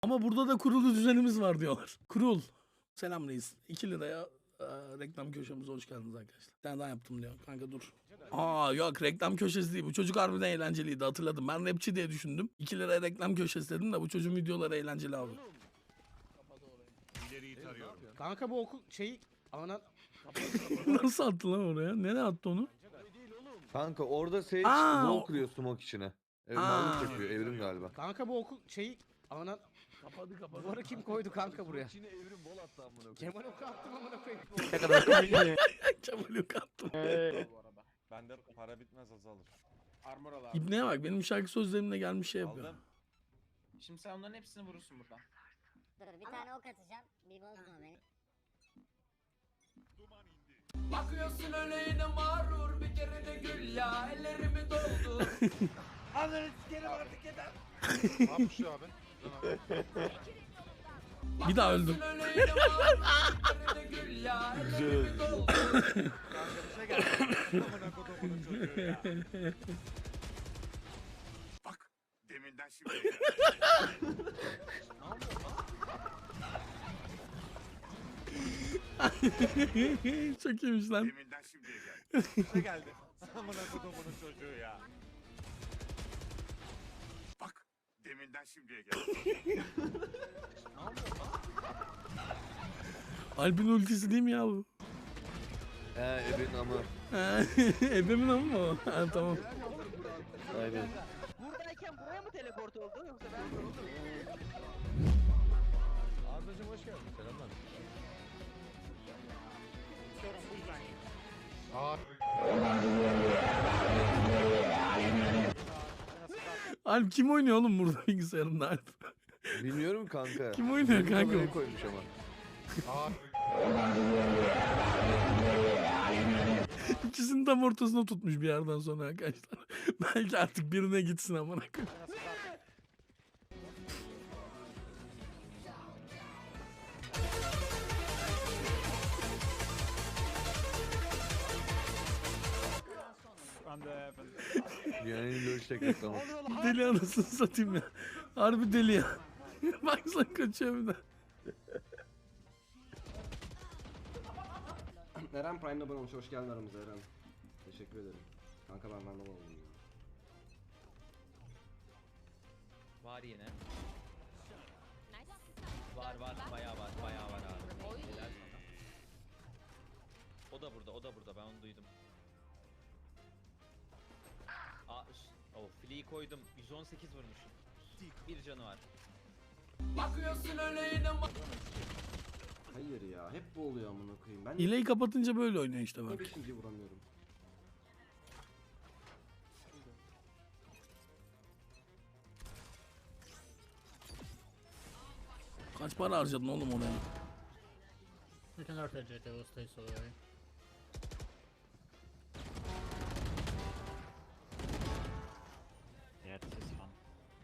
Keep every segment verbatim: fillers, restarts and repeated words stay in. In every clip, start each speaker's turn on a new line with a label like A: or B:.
A: Ama burada da kurulu düzenimiz var diyorlar. Kurul. Selam reis. iki liraya e, reklam köşemize hoş geldiniz arkadaşlar. Bir tane daha yaptım diyor. Kanka dur. Aa yok, reklam köşesi değil. Bu çocuk harbiden eğlenceliydi, hatırladım. Ben rapçi diye düşündüm. iki liraya reklam köşesi dedim de bu çocuğun videoları eğlenceli abi.
B: Kanka bu okul şeyi ana
A: Nasıl attı lan oraya? Nereye attı onu?
C: Kanka orada Sage
A: Aa,
C: wall
A: o-
C: kuruyor smoke içine. Evet,
A: Aa.
C: mallık yapıyor evrim galiba.
B: kanka bu okul şeyi ana
A: Kapadı kapadı.
B: duvarı kim koydu kanka buraya?
C: İçine evrim wall attı amına koyayım.
B: Kemal oku attım amına koyayım.
A: Kemal yok attım.
D: Bende para bitmez azalır.
E: Armor al abi.
A: İbneye bak, benim şarkı sözlerimle gelmiş şey yapıyor.
D: Aldım.
E: Şimdi sen onların hepsini vurursun buradan.
F: Dur bir tane ok atacağım. Bir bozma beni.
G: Bakıyorsun öyle yine mağrur bir kere de gül ya ellerimi doldur.
E: Ananı sikerim artık yeter.
D: Ne yapmış ya abi?
A: Bir daha öldüm.
G: Bakıyorsun öyle yine mağrur bir kere de gül ya ellerimi doldur.
D: Kanka bir şey geldi. Amına kodumun çocuğu ya.
H: Bak deminden şimdi.
A: Çok iyiymiş lan.
H: Deminden şimdiye gel.
D: Bir şey geldi. Amına kodumun çocuğu ya.
H: Bak deminden şimdiye gel.
A: Alp'in ultisi değil mi ya bu?
C: He evin ama.
A: Ha, Ebemin ama mı o? Ha, tamam.
C: Aynen.
I: Buradayken buraya mı teleport oldu yoksa ben mi oldum?
C: Ardacım hoş geldin. Selamlar.
A: Alp kim oynuyor oğlum burada bilgisayarında Alp?
C: Bilmiyorum kanka.
A: Kim oynuyor
C: Benim
A: kanka
C: kamerayı
A: o?
C: koymuş ama.
A: İkisini tam ortasına tutmuş bir yerden sonra arkadaşlar. Belki artık birine gitsin amına koyayım.
C: Yani löştek reklamı.
A: Deli anasını satayım ya. Harbi deli ya. Baksana kaçıyor bir de.
B: Eren Prime'da abone olmuş. Hoş geldin aramıza Eren. Teşekkür ederim. Kanka ben Vandal oldum ya.
I: Var yine. Var var bayağı var bayağı var abi. Helal sana. O da burada o da burada ben onu duydum. Aa üst- oh flea'yı koydum yüz on sekiz vurmuşum. Bir canı var.
G: Bakıyorsun öyle yine
B: Hayır ya hep bu oluyor amına koyayım. Ben
A: Hileyi kapatınca böyle oynuyor işte bak.
B: beşinci vuramıyorum.
A: Kaç para harcadın oğlum oraya?
J: You can rotate J T, we'll stay so away. Yeah, this is fun.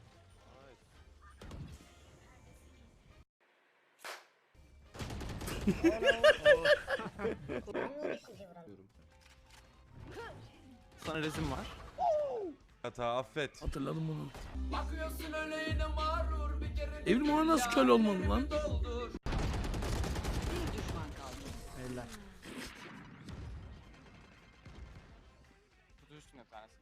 E: Sana resim var.
D: Hata affet.
A: Hatırladım bunu.
G: bakıyorsun öyle yine mağrur bir kere de
A: Evrim
G: gül
A: ona nasıl
G: ya,
A: köle olmadı
G: ellerimi
A: lan?
G: doldur.
E: Eller. Kutu üstüne bir tanesi.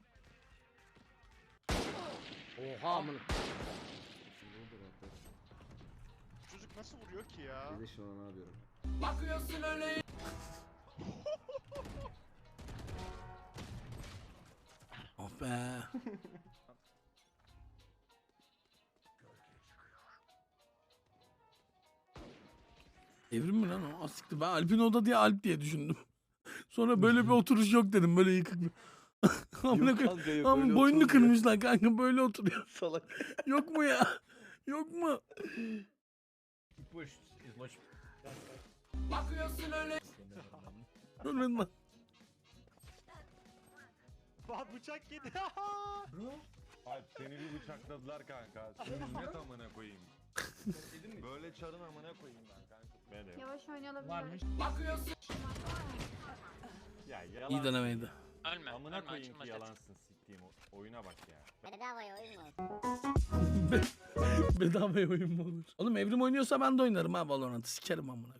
B: Oha amına. Şimdi oldu rahatlar.
D: Çocuk nasıl vuruyor ki ya?
B: Bir de şu an ne yapıyorum?
G: Bakıyorsun öyle
A: Oh be. Evrim mi lan o? Asikti. Ben Alp'in oda diye Alp diye düşündüm. Sonra böyle bir oturuş yok dedim. Böyle yıkık bir. Amına
C: Yok
A: koyayım.
C: kanka yok.
A: Ama
C: öyle
A: boynunu
C: oturmuyor.
A: kırmışlar kanka, böyle oturuyor.
C: Salak.
A: Yok mu ya? Yok mu?
J: Push is much.
G: bakıyorsun öyle
A: Ölmedin lan.
D: Bak bıçak yedi. Alp seni bir bıçakladılar kanka. Sürünet amına koyayım. Böyle çarın amına koyayım ben kanka. Beni.
F: Yavaş oynayalım.
J: Varmış.
G: bakıyorsun
D: Ya yalan.
A: İyi denemeydi.
I: Ölme
D: Amına koyayım ki yalansın. siktiğim o- oyuna bak ya.
F: Bedavaya oyun mu olsun?
A: Bedavaya oyun mu olur? Oğlum Evrim oynuyorsa ben de oynarım ha Valorant'ı. Sikerim amına.